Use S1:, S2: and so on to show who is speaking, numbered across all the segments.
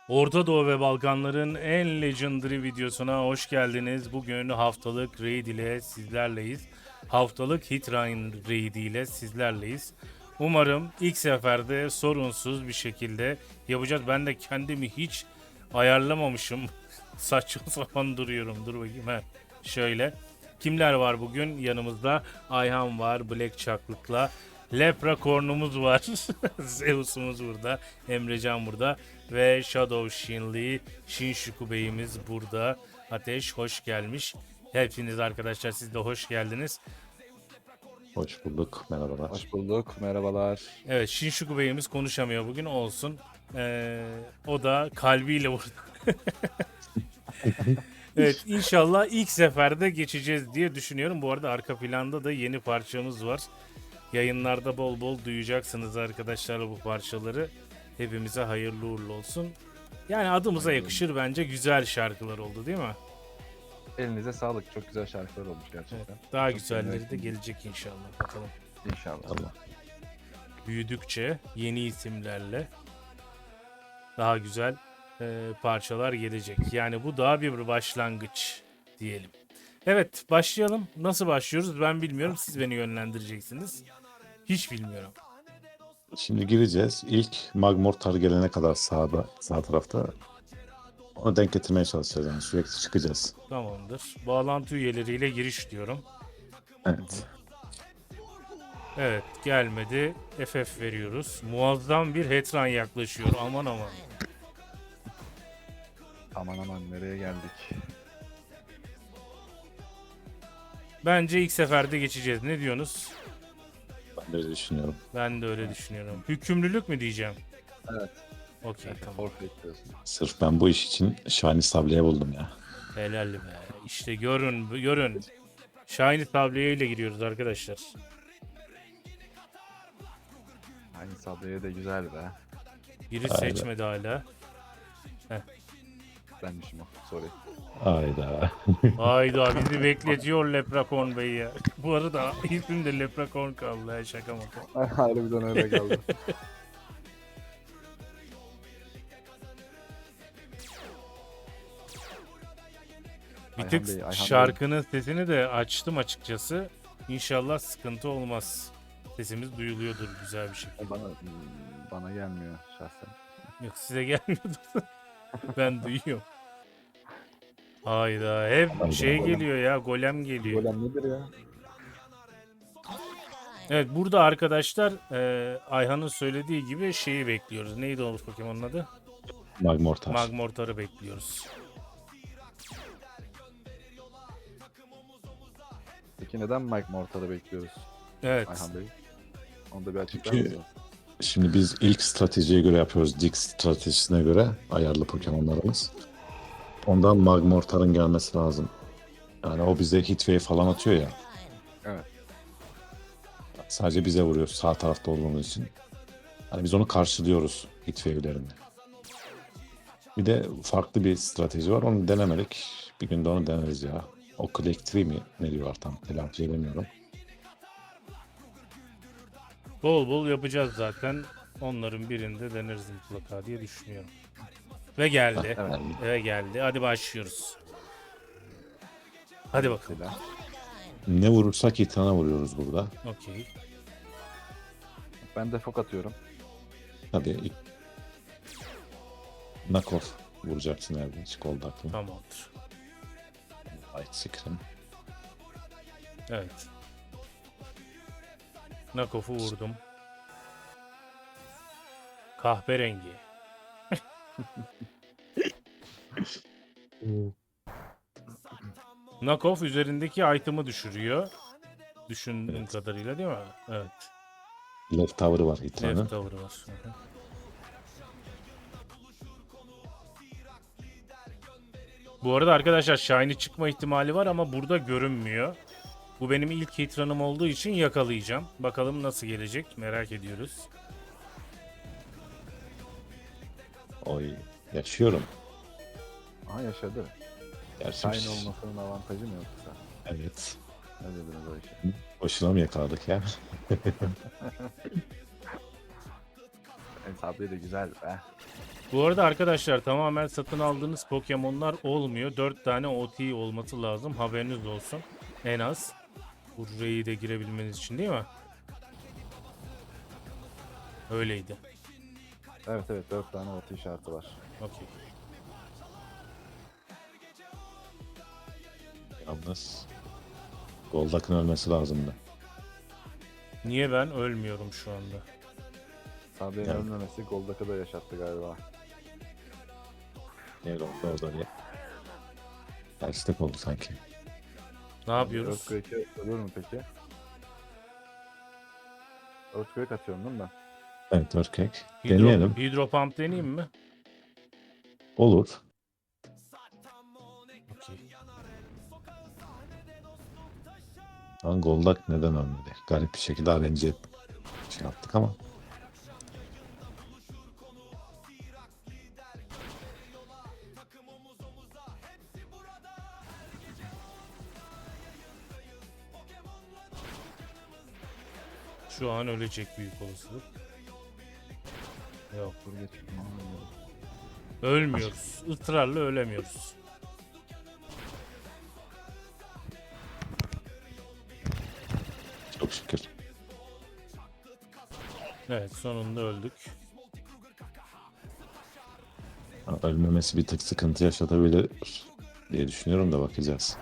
S1: Orta Doğu ve Balkanların en legendary videosuna hoş geldiniz. Bugün haftalık raid ile sizlerleyiz. Haftalık Hitrain raid ile sizlerleyiz. Umarım ilk seferde sorunsuz bir şekilde yapacağız. Ben de kendimi hiç ayarlamamışım. Saçma sapan duruyorum. Dur bakayım. He. Şöyle. Kimler var bugün? Yanımızda Ayhan var. Black Chocolatel'la. Leprechaun'umuz var. Zeus'umuz burada. Emrecan burada. Ve Shadow Shinli, Shinshuku Bey'imiz burada. Ateş hoş gelmiş. Hepiniz arkadaşlar siz de hoş geldiniz.
S2: Hoş bulduk. Merhabalar.
S3: Hoş bulduk. Merhabalar.
S1: Evet Shinshuku Bey'imiz konuşamıyor bugün olsun. O da kalbiyle vurdu. Evet inşallah ilk seferde geçeceğiz diye düşünüyorum. Bu arada arka planda da yeni parçamız var. Yayınlarda bol bol duyacaksınız arkadaşlar bu parçaları. Hepimize hayırlı uğurlu olsun. Yani adımıza yakışır bence güzel şarkılar oldu değil mi?
S3: Elinize sağlık. Çok güzel şarkılar olmuş gerçekten.
S1: Evet, daha
S3: Çok
S1: güzelleri de
S3: beğendim.
S1: gelecek inşallah. Bakalım.
S3: İnşallah.
S2: Allah.
S1: Büyüdükçe yeni isimlerle daha güzel parçalar gelecek. Yani bu daha bir başlangıç diyelim. Evet başlayalım. Nasıl başlıyoruz ben bilmiyorum. Siz beni yönlendireceksiniz. Hiç bilmiyorum.
S2: Şimdi gireceğiz. İlk Magmortar gelene kadar sağ tarafta onu denk getirmeye çalışacağız. Yani sürekli çıkacağız.
S1: Tamamdır. Bağlantı üyeleriyle giriş diyorum.
S2: Evet.
S1: Evet gelmedi. FF veriyoruz. Muazzam bir Hetran yaklaşıyor. Aman aman.
S3: Aman aman nereye geldik?
S1: Bence ilk seferde geçeceğiz. Ne diyorsunuz?
S2: Ben de öyle düşünüyorum.
S1: Ben de öyle düşünüyorum. Hükümlülük mü diyeceğim?
S3: Evet.
S1: Okey
S3: Evet,
S1: tamam.
S3: forfeit diyorsun.
S2: Sırf ben bu iş için Şahini Sabliye buldum ya.
S1: Helal be. İşte görün. Shiny tabliye ile giriyoruz arkadaşlar.
S3: Aynı sabreye de güzel be.
S1: Biri
S2: Aynen.
S1: seçmedi hala.
S3: Benmişim o. Sorry.
S2: Hayda.
S1: Hayda bizi bekletiyor Leprechaun Bey ya. Bu arada isim de Leprechaun kaldı ya şaka maka.
S3: Harbiden öyle kaldı.
S1: Bir
S3: Ayhan
S1: tık
S3: Bey, Ayhan
S1: şarkının sesini de açtım açıkçası. İnşallah sıkıntı olmaz. Sesimiz duyuluyordur güzel bir şekilde.
S3: Bana gelmiyor şahsen.
S1: Yok size gelmiyordur. Ben duyuyorum. Hayda hep
S2: Hayda.
S1: şey geliyor ya golem geliyor.
S3: Golem nedir ya?
S1: Evet burada arkadaşlar Ayhan'ın söylediği gibi şeyi bekliyoruz. Neydi o Pokemon'un adı?
S2: Magmortar.
S1: Magmortar'ı bekliyoruz.
S3: Peki neden Mike Mortar'ı bekliyoruz
S1: Evet.
S3: Ayhan Bey? Onu da bir açıklar
S2: Çünkü
S3: mısınız?
S2: şimdi biz ilk stratejiye göre yapıyoruz. Dix stratejisine göre ayarlı Pokemon'larımız. Ondan Magmortar'ın gelmesi lazım. Yani o bize Hitwave falan atıyor ya.
S3: Evet.
S2: Sadece bize vuruyor sağ tarafta olduğumuz için. Hani biz onu karşılıyoruz Hitwave'lerini. Bir de farklı bir strateji var. Onu denemedik. Bir gün de onu deneriz ya. O Click Tree mi? Ne diyorlar tam? Telaffuz edemiyorum.
S1: Bol bol yapacağız zaten. Onların birinde deneriz mutlaka diye düşünüyorum. Ve geldi.
S3: Evet.
S1: Ve geldi. Hadi başlıyoruz. Hadi bakalım.
S3: Mesela.
S2: Ne vurursak Hitan'a vuruyoruz burada.
S1: Okey.
S3: Ben de fok atıyorum.
S2: Tabii ilk... Knockoff vuracaksın herhalde. Hiç kolda aklım.
S1: Tamamdır.
S2: Light Scream.
S1: Evet. Knockoff'u vurdum. Kahverengi. Knockoff üzerindeki item'ı düşürüyor. Düşündüğüm
S2: Evet.
S1: kadarıyla değil mi? Evet.
S2: Left Tower'ı var Hitan'ın.
S1: Left tower'ı var. Hı hı. Bu arada arkadaşlar Shiny çıkma ihtimali var ama burada görünmüyor. Bu benim ilk hit run'ım olduğu için yakalayacağım. Bakalım nasıl gelecek merak ediyoruz.
S2: Oy. Yaşıyorum.
S3: Aha yaşadı.
S2: Gerçi
S3: Shine olmasının avantajı mı yoksa?
S2: Evet.
S3: Ne dediniz o işe?
S2: Boşuna mı yakaladık ya?
S3: En sabri de güzel be.
S1: Bu arada arkadaşlar tamamen satın aldığınız Pokemon'lar olmuyor. 4 tane OT olması lazım. Haberiniz olsun. En az. Bu raid'e girebilmeniz için değil mi? Öyleydi.
S3: Evet evet 4 tane OT işareti var.
S1: Okey.
S2: Yalnız Goldak'ın ölmesi lazımdı.
S1: Niye ben ölmüyorum şu anda?
S3: Sabia'nın
S2: Yani.
S3: ölmemesi Goldak'ı da yaşattı galiba.
S2: Yer oldu orada diye. Terslik oldu sanki.
S1: Ne yapıyoruz?
S3: Earthquake'e ölür mü peki? Earthquake atıyorum değil mi ben?
S2: Evet, Earthquake. Deneyelim.
S1: Hidro pump deneyeyim mi?
S2: Olur.
S1: Okey.
S2: Lan Goldak neden ölmedi? Garip bir şekilde RNG şey yaptık ama.
S1: Şu an ölecek büyük olasılık. Yok.
S3: Dur geç.
S1: Ölmüyoruz. Israrla ölemiyoruz.
S2: Çok şükür.
S1: Evet sonunda öldük.
S2: Ha, ölmemesi bir tık sıkıntı yaşatabilir diye düşünüyorum da bakacağız.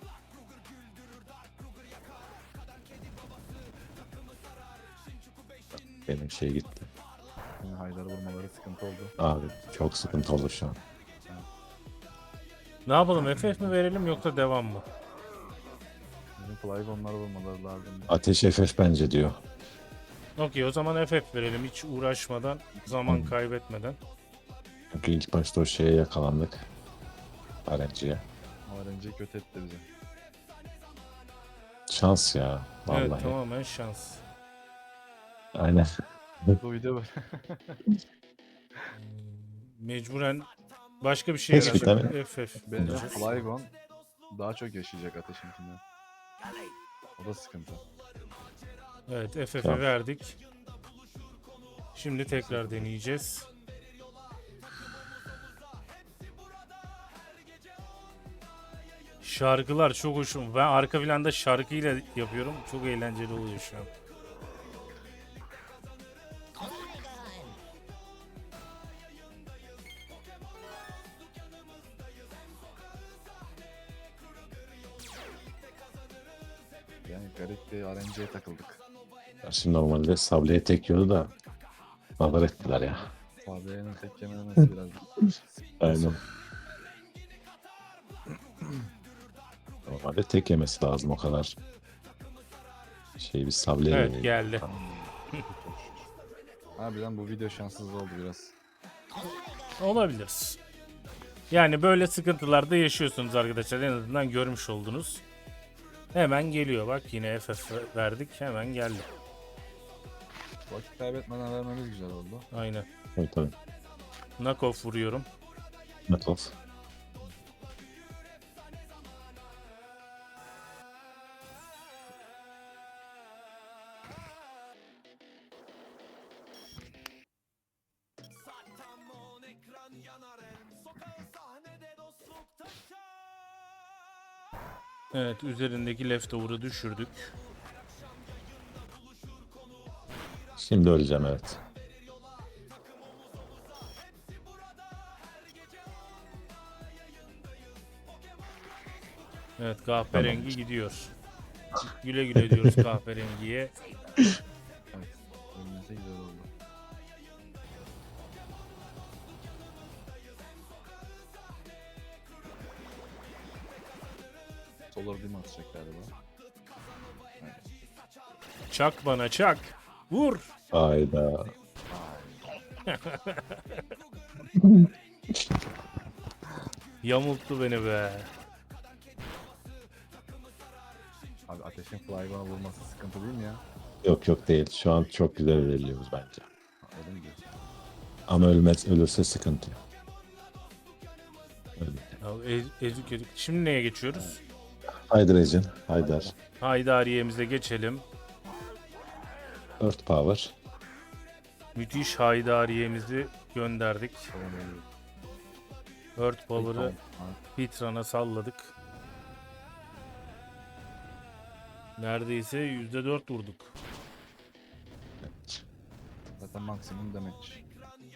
S2: Benim şey gitti.
S3: Şimdi Haydar vurmaları sıkıntı oldu.
S2: Abi çok sıkıntı olur şu an.
S1: Ne yapalım? FF mi verelim yoksa devam mı?
S3: Bizim Flygon'ları vurmaları lazım.
S2: Ateş FF bence diyor.
S1: Okey o zaman FF verelim hiç uğraşmadan, zaman kaybetmeden.
S2: Çünkü ilk başta o şeye yakalandık. RNG'ye.
S3: RNG kötü etti bizi.
S2: Şans ya. Vallahi.
S1: Evet tamamen şans.
S2: Aynen.
S3: Bu video böyle.
S1: Mecburen başka bir şey
S2: Keşke tabii.
S1: FF.
S3: Bence
S1: bulacağız.
S3: Flygon daha çok yaşayacak ateşinkinden. O da sıkıntı.
S1: Evet FF'e
S2: Tamam.
S1: verdik. Şimdi tekrar deneyeceğiz. Şarkılar çok hoşum. Ben arka planda şarkıyla yapıyorum. Çok eğlenceli oluyor şu an.
S3: Yani garip bir RNG'ye takıldık.
S2: Şimdi normalde Sable'ye tek yiyordu da nazar ettiler ya.
S3: Sabia'nın tek yememesi biraz.
S2: Aynen. Normalde tek yemesi lazım o kadar. Şey bir Sable'ye
S1: Evet geldi.
S3: Harbiden bu video şanssız oldu biraz.
S1: Olabilir. Yani böyle sıkıntılarda yaşıyorsunuz arkadaşlar. En azından görmüş oldunuz. Hemen geliyor bak yine FF verdik hemen geldi.
S3: Vakit kaybetmeden vermemiz güzel oldu.
S1: Aynen.
S2: Evet tabii.
S1: Knockoff vuruyorum.
S2: Metal.
S1: Evet üzerindeki leftover'ı düşürdük.
S2: Şimdi öleceğim evet.
S1: Evet kahverengi gidiyor. Güle güle diyoruz kahverengiye.
S3: Evet. Ölmese güzel oldu. Solar Beam atacak galiba. Evet.
S1: Çak bana çak. Vur.
S2: Hayda.
S1: Yamulttu beni be.
S3: Abi ateşin Flygon'a vurması sıkıntı değil mi ya?
S2: Yok yok değil. Şu an çok güzel ilerliyoruz bence.
S3: Öyle mi diyorsun?
S2: Ama ölürse sıkıntı. Öyle.
S1: Ya, ezik ezik. Şimdi neye geçiyoruz?
S2: Hydration. Haydar.
S1: Haydariye'mize geçelim.
S2: Earth Power.
S1: Müthiş Haydariye'mizi gönderdik.
S3: Tamam, öyle.
S1: Earth Power'ı
S3: Tamam.
S1: Hitran'a salladık. Neredeyse %4 vurduk.
S3: Zaten maksimum damage.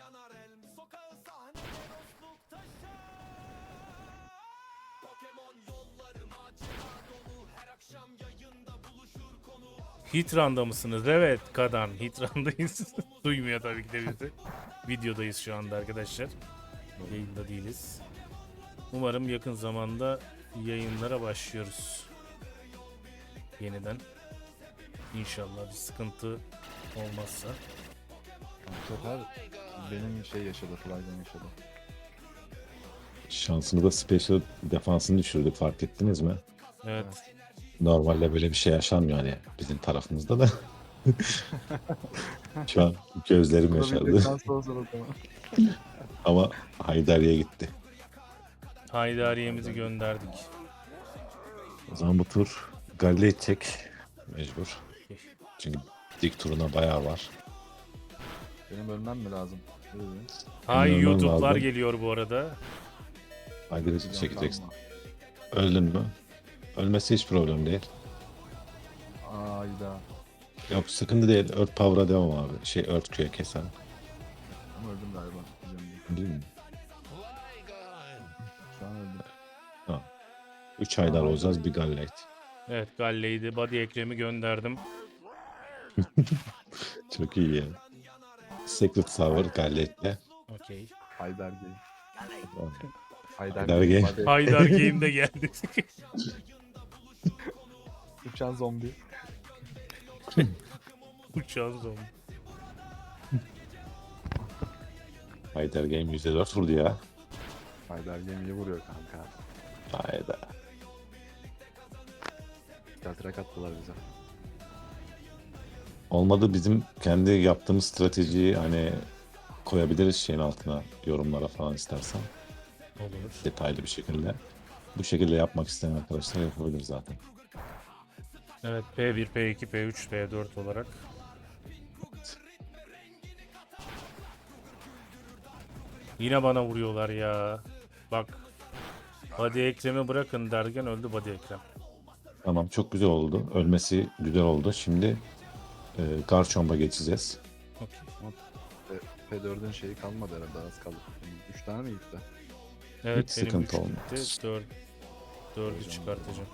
S1: Hitran'da mısınız? Evet Kadan. Hitran'dayız. Duymuyor tabii ki de bizi. Videodayız şu anda arkadaşlar. Yayında değiliz. Umarım yakın zamanda yayınlara başlıyoruz. Yeniden. İnşallah bir sıkıntı olmazsa.
S3: Bu sefer benim şey yaşadı, Fly'den yaşadı.
S2: Şansımıza special defansını düşürdük, fark ettiniz mi?
S1: Evet.
S2: Normalde böyle bir şey yaşanmıyor hani bizim tarafımızda da. Şu an gözlerim yaşardı.
S3: Kurabilecekten sonra tamam.
S2: Ama Haydari'ye gitti.
S1: Haydariye'mizi gönderdik.
S2: O zaman bu tur Galle edecek mecbur. Çünkü dik turuna bayağı var.
S3: Benim ölmem mi lazım?
S1: Hay
S2: Ölmem
S1: YouTube'lar
S2: lazım.
S1: geliyor bu arada.
S2: Haydari'yi çekeceksin. Öldün mü? Ölmesi hiç problem değil.
S3: Ayda.
S2: Yok sıkıntı değil. Earth Power'a devam abi. Earth Q'ye kesen.
S3: Ama öldüm galiba. Bilmiyorum.
S2: Değil mi?
S3: Şu an öldüm.
S2: 3 Haydar olacağız, bir Galle.
S1: Evet Galle'ydi. Body Ekrem'i gönderdim.
S2: Çok iyi ya. Secret Server Galle'yle.
S1: Okey.
S3: Haydar Game.
S2: Haydar Game.
S3: Hadi.
S1: Haydar Game'de geldi.
S3: Uçan zombi.
S1: Uçan zombi.
S2: Haydar Game %4 vurdu ya.
S3: Haydar Game iyi vuruyor kanka.
S2: Hayda.
S3: Deltrak attılar bize.
S2: Olmadı bizim kendi yaptığımız stratejiyi hani koyabiliriz şeyin altına, yorumlara falan istersen.
S1: Olur.
S2: Detaylı bir şekilde. Bu şekilde yapmak isteyen arkadaşlar yapabilir zaten.
S1: Evet P1, P2, P3, P4 olarak. Yine bana vuruyorlar ya. Bak. Body Ekrem'i bırakın derken öldü Body Ekrem.
S2: Tamam, çok güzel oldu. Ölmesi güzel oldu. Şimdi Garchomp'a geçeceğiz.
S1: Okey.
S3: P4'ün şeyi kalmadı herhalde, az kaldı. 3 tane mi gitti?
S1: Evet
S2: Hiç
S1: benim
S2: sıkıntı
S1: 3
S2: olmaz.
S1: gitti. 4'ü çıkartacağım.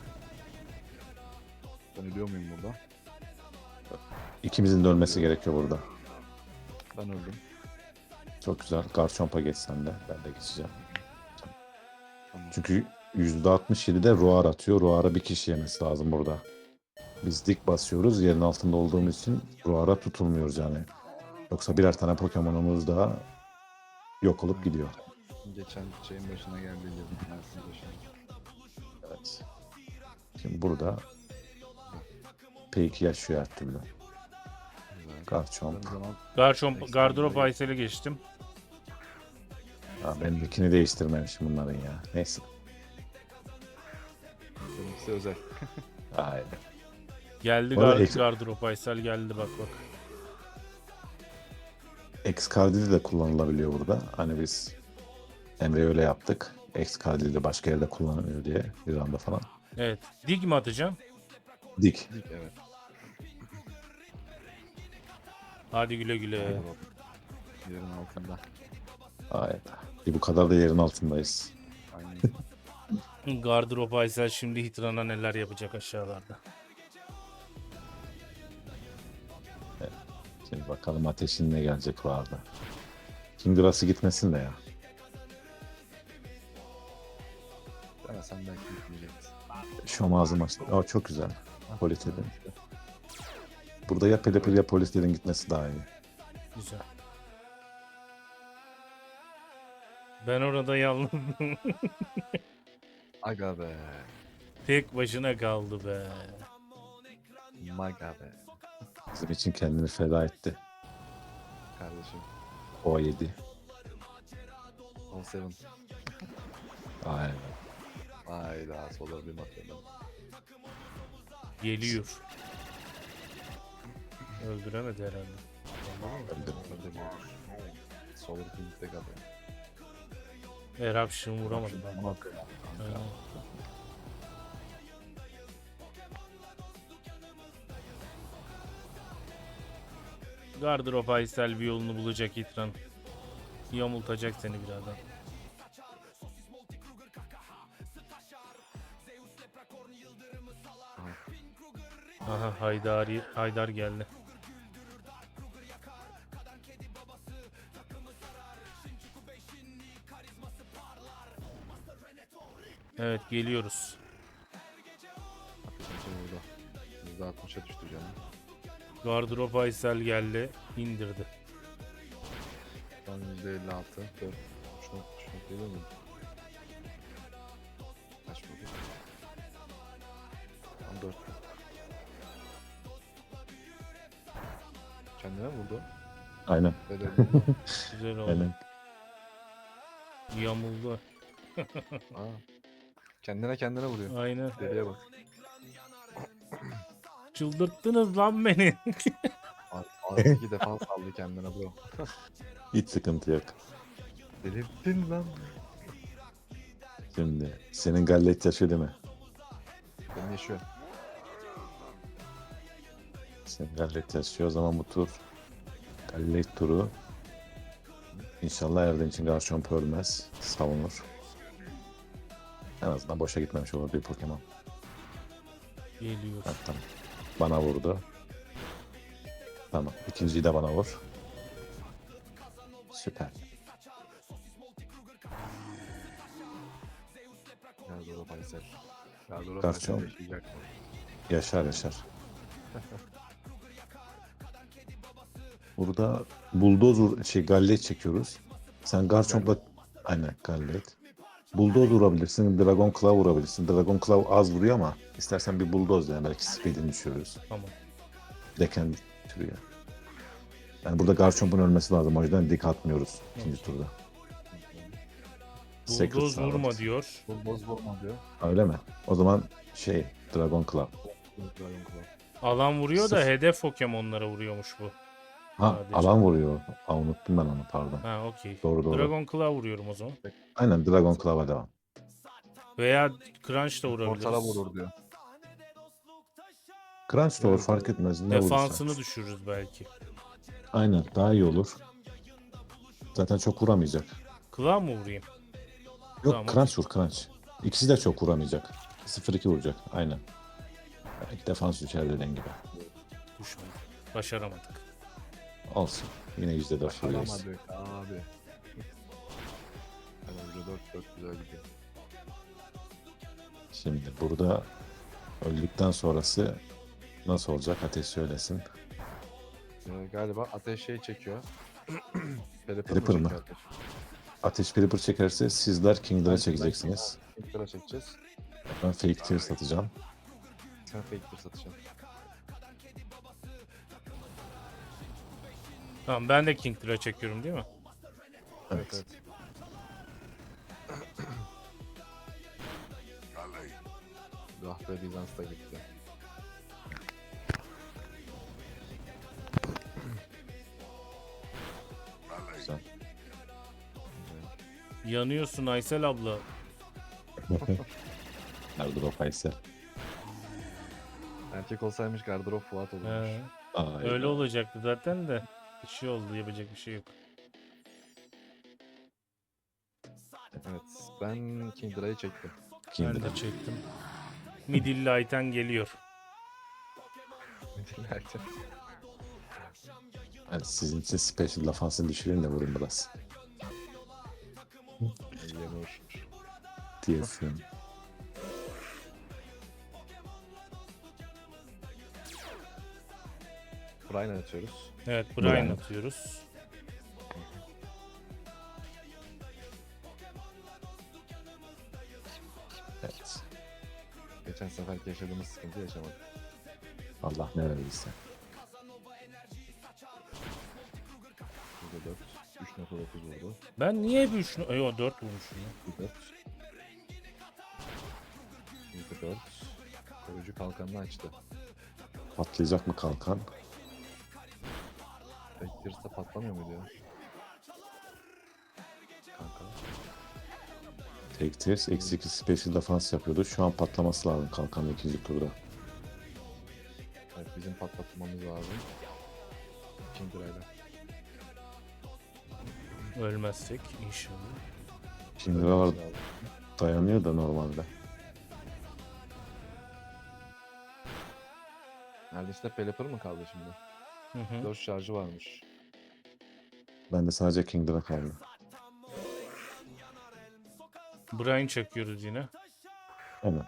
S3: Ben ölüyor muyum burada?
S2: İkimizin de ölmesi gerekiyor burada.
S3: Ben öldüm.
S2: Çok güzel. Garchomp'a geçsen de. Ben de geçeceğim.
S3: Tamam.
S2: Çünkü %67'de Roar atıyor. Roar'a bir kişi yemesi lazım burada. Biz dik basıyoruz. Yerin altında olduğumuz için Roar'a tutulmuyoruz yani. Yoksa birer tane Pokemon'umuz daha yok olup gidiyor.
S3: Geçen şeyin başına geldi gibi. Mersin başına.
S2: Evet. Şimdi burada P2 yaşıyor her türlü.
S3: Güzel.
S2: Garchomp.
S3: Ben o zaman
S1: Garchomp, Gardrop Aysel'e geçtim.
S2: Ha, benimkini değiştirmemişim bunların ya. Neyse.
S3: benimkisi özel.
S2: Haydi.
S1: Geldi
S2: Bu arada
S1: Gardrop Aysel geldi bak.
S2: Excalibur de kullanılabiliyor burada. Hani biz Emre öyle yaptık. Excalibur de başka yerde kullanılıyor diye bir anda falan.
S1: Evet. Dig mi atacağım?
S2: Dik.
S3: Dik, evet.
S1: Hadi güle güle.
S3: Yerin altında.
S2: Hayda. Bu kadar da yerin altındayız.
S3: Aynen.
S1: Gardrop Aysel şimdi Hitran'a neler yapacak aşağılarda.
S2: Şimdi bakalım ateşin ne gelecek vardı. Kingras'ı gitmesin de ya.
S3: Ama sen belki gitmeyeceksin.
S2: Şu ağzım açtı. Aa, çok güzel. Polis edin. Burada ya Pelipil ya polislerin gitmesi daha iyi.
S1: Güzel. Ben orada yalnız
S3: Aga be.
S1: tek başına kaldı be.
S3: Maga be.
S2: Bizim için kendini feda etti.
S3: Kardeşim.
S2: O 7.
S3: 17.
S2: Aynen.
S3: Hayda, sola bir bakıyorum.
S1: Geliyor. Öldüremedi herhalde.
S2: Öldüm.
S3: Öyle bir olur. Solar King'de kalıyor.
S1: Eruption vuramadım ben.
S3: Bak.
S1: Aynen. Gardırop Aysel bir yolunu bulacak Hitran. Yamultacak seni birazdan. Aha Haydar geldi. Evet geliyoruz.
S3: Ateşin burada. %60'a düştü canım.
S1: Gardırop Aysel geldi. İndirdi.
S3: Şu an %56. 4. Şuna geliyor mu? Kaç vurdu? Tam 4. Kendine mi vurdu?
S2: Aynen.
S3: Böyle
S1: Güzel oldu.
S2: Aynen.
S1: Yamuldu.
S3: Aa. Kendine vuruyor.
S1: Aynen.
S3: Deliye bak.
S1: Çıldırttınız lan beni.
S3: Abi 2 defa saldı kendine bro.
S2: Hiç sıkıntı yok.
S3: Delirttin lan.
S2: Şimdi senin gallet yaşı değil mi?
S3: Ben yaşıyor.
S2: Senin gallet yaşıyor. O zaman bu tur gallet turu. İnşallah Erdinç'in Garchomp ölmez. Savunur. En azından boşa gitmemiş olur bir Pokemon.
S1: Geliyor.
S2: Ha, tamam. Bana vurdu. Tamam. İkinciyi de bana vur. Süper.
S3: Gardoro Baysel. Gardoro
S2: Garchomp.
S3: Baysel yaşayacak.
S2: Yaşar yaşar. Burada bulldozer gallet çekiyoruz. Sen Garchomp'la aynen gallet. Bulldozer vurabilirsin, Dragon Claw vurabilirsin. Dragon Claw az vuruyor ama istersen bir bulldozer yani belki speed'ini düşürürüz.
S1: Tamam.
S2: Deken türüyor. Yani burada Garchomp'un ölmesi lazım. O yüzden dik atmıyoruz ikinci turda. Secret
S1: Bulldoz
S2: Sağlık.
S1: vurma diyor.
S3: Boz vurma diyor.
S2: Öyle mi? O zaman Dragon Claw.
S3: Dragon Claw.
S1: Alan vuruyor da
S2: Sıfır.
S1: hedef Pokemon'lara vuruyormuş bu.
S2: Ha
S1: Sadece.
S2: alan vuruyor. Aa, unuttum ben onu pardon.
S1: Ha okey.
S2: Doğru doğru.
S1: Dragon Claw vuruyorum o zaman.
S2: Aynen Dragon Claw'a devam.
S1: Veya Crunch da vurabiliriz.
S3: Portala vurur diyor.
S2: Crunch da olur fark etmez. Ne
S1: Defansını
S2: vurursa.
S1: düşürürüz belki.
S2: Aynen daha iyi olur. Zaten çok vuramayacak.
S1: Claw mı vurayım?
S2: Yok
S1: Tamam.
S2: Crunch vur Crunch. İkisi de çok vuramayacak. 0-2 vuracak aynen. Belki defans düşer dediğin gibi.
S1: Düşmedi. Başaramadık.
S2: Olsun. Yine %4 vuruyoruz.
S3: Başaramadık abi. Yani 4 güzel gidiyor.
S2: Şimdi burada öldükten sonrası nasıl olacak? Ateş söylesin.
S3: Galiba ateş çekiyor.
S2: Pelipper mı?
S3: çekiyor ateş?
S2: Ateş Pripper çekerse sizler Kingdom'a çekeceksiniz.
S3: Kingdom'a çekeceğiz.
S2: Ben Fake Tears atacağım.
S3: Sen fake satacaksın.
S1: Tamam ben de King Tura çekiyorum değil mi?
S2: Evet.
S3: Ah be Bizans da gitti.
S2: Güzel.
S1: Yanıyorsun Aysel abla.
S2: Gardırop Aysel.
S3: Erkek olsaymış gardırop Fuat olurmuş.
S1: He.
S2: Aa,
S1: Öyle olacaktı zaten de. Bir şey oldu yapacak bir şey yok.
S3: Evet. Ben Kingdra'yı çektim.
S1: Ben
S2: Kingdom.
S1: de çektim. Midilli Ayten geliyor.
S2: Evet, sizin için special defansını düşüreyim de vurun biraz.
S3: Yenur.
S2: Diyesin.
S3: Brian atıyoruz.
S1: Evet
S2: Brian.
S1: Brian atıyoruz.
S2: Evet.
S3: Geçen seferki yaşadığımız sıkıntı yaşamadık.
S2: Allah ne verirse.
S3: Burada 4. 3.9 vurdu.
S1: Ben niye bir 3 Yo 4 vurmuşum ya.
S3: 4. Burada 4. Koruyucu kalkanını açtı.
S2: Patlayacak mı kalkan?
S3: Tek girse patlamıyor muydu ya? Kanka.
S2: Take tears eksi 2 special defense yapıyordu. Şu an patlaması lazım kalkanın ikinci turda.
S3: Evet, bizim patlatmamız lazım. Kindra'yla.
S1: Ölmezsek inşallah.
S2: Şimdi var dayanıyor da normalde.
S3: Neredeyse Pelipper mı kaldı şimdi?
S1: Hı hı.
S3: 4 şarjı varmış.
S2: Bende sadece Kingdom'a kaldı.
S1: Brian çekiyoruz yine.
S2: Hemen.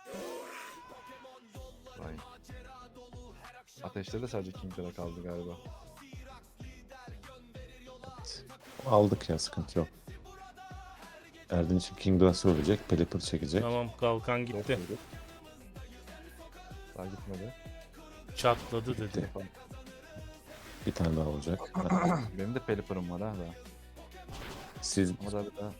S3: Vay. Ateşte de sadece Kindra kaldı galiba.
S2: Evet. Aldık ya, sıkıntı yok. Erdinç'in Kingdom'sı ölecek. Pelipper çekecek.
S1: Tamam, kalkan
S3: Dört
S1: gitti.
S3: muydu? Daha gitmedi.
S1: Çatladı dedi.
S2: Bir tane daha olacak.
S3: Benim de Pelipper'ım var ha daha.
S2: Siz
S3: Ama daha bir daha.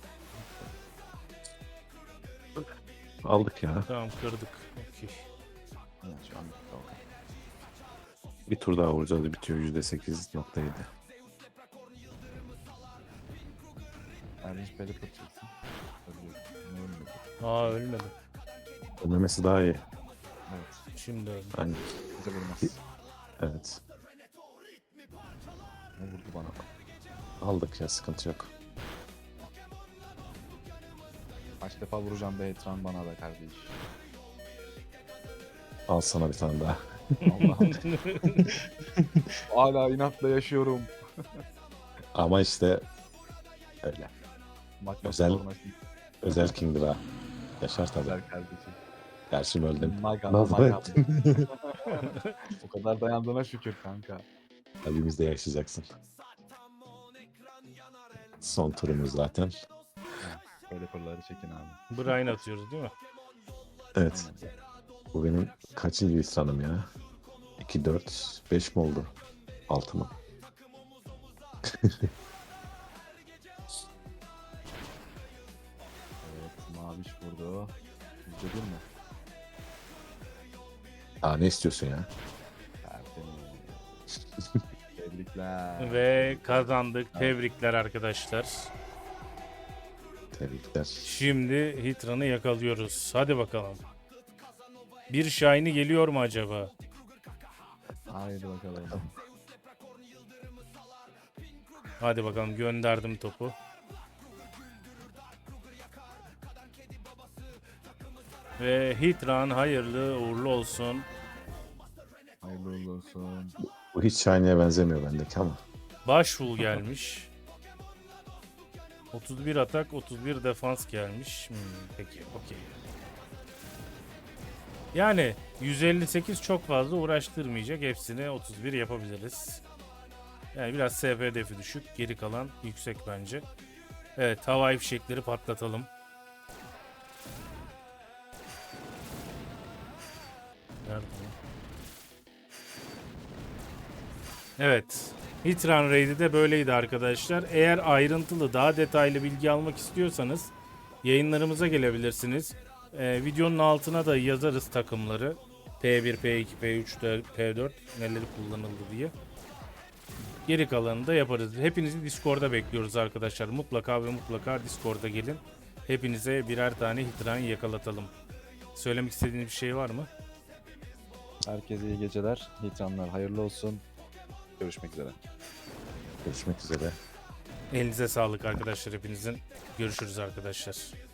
S2: aldık ya.
S1: Tamam, kırdık. Okey.
S3: Evet, şu an tamam.
S2: Bir tur daha vuracağız. Bitiyor %8.7.
S3: Erdinç Pelipper çeksin. Ölüyor. Ne ölmedi?
S1: Aa, ölmedi.
S2: Ölmemesi daha iyi.
S3: Evet.
S1: Şimdi öldü.
S2: Yani,
S3: Bize vurmaz.
S2: evet.
S3: Ne vurdu bana?
S2: Aldık ya, sıkıntı yok.
S3: Kaç defa vuracağım be Etran bana be kardeş.
S2: Al sana bir tane daha.
S3: Allah'ım. Hala inatla yaşıyorum.
S2: Ama işte öyle.
S3: Makyaj
S2: Özel-
S3: forması.
S2: Özel Kingdom'a. Yaşar tabii.
S3: Güzel kardeşim.
S2: Gerçi öldüm.
S3: Maga,
S2: Nasıl?
S3: maga. O kadar dayandığına şükür kanka.
S2: Kalbimizde yaşayacaksın. Son turumuz zaten.
S3: Pelipper'ları çekin abi.
S1: Brian atıyoruz değil mi?
S2: Evet.
S3: Aynen.
S2: Bu benim kaçıncı İsran'ım ya? 2, 4, 5 mi oldu? 6 mı?
S3: Evet, Maviş vurdu. Yüzde bir mi?
S2: Aa, ne istiyorsun ya?
S3: Tertemiz. Tebrikler.
S1: Ve kazandık. Tebrikler arkadaşlar.
S2: Tebrikler.
S1: Şimdi Hitran'ı yakalıyoruz. Hadi bakalım. Bir Shiny geliyor mu acaba?
S3: Haydi bakalım.
S1: Hadi bakalım, gönderdim topu. Ve Hitran hayırlı uğurlu olsun.
S3: Hayırlı uğurlu olsun.
S2: Bu hiç Shiny'e benzemiyor bendeki ama.
S1: Başvul gelmiş. 31 atak, 31 defans gelmiş. Peki, okey. Yani 158 çok fazla uğraştırmayacak. Hepsini 31 yapabiliriz. Yani biraz SP hedefi düşük. Geri kalan yüksek bence. Evet, havai fişekleri patlatalım. Nerede bu? Evet. Hitran Raid'i de böyleydi arkadaşlar. Eğer ayrıntılı, daha detaylı bilgi almak istiyorsanız yayınlarımıza gelebilirsiniz. Videonun altına da yazarız takımları. P1, P2, P3, P4 neleri kullanıldı diye. Geri kalanını da yaparız. Hepinizi Discord'da bekliyoruz arkadaşlar. Mutlaka ve mutlaka Discord'a gelin. Hepinize birer tane Hitran yakalatalım. Söylemek istediğiniz bir şey var mı?
S3: Herkese iyi geceler. Hitranlar hayırlı olsun. Görüşmek üzere.
S2: Görüşmek üzere.
S1: Elinize sağlık arkadaşlar hepinizin. Görüşürüz arkadaşlar.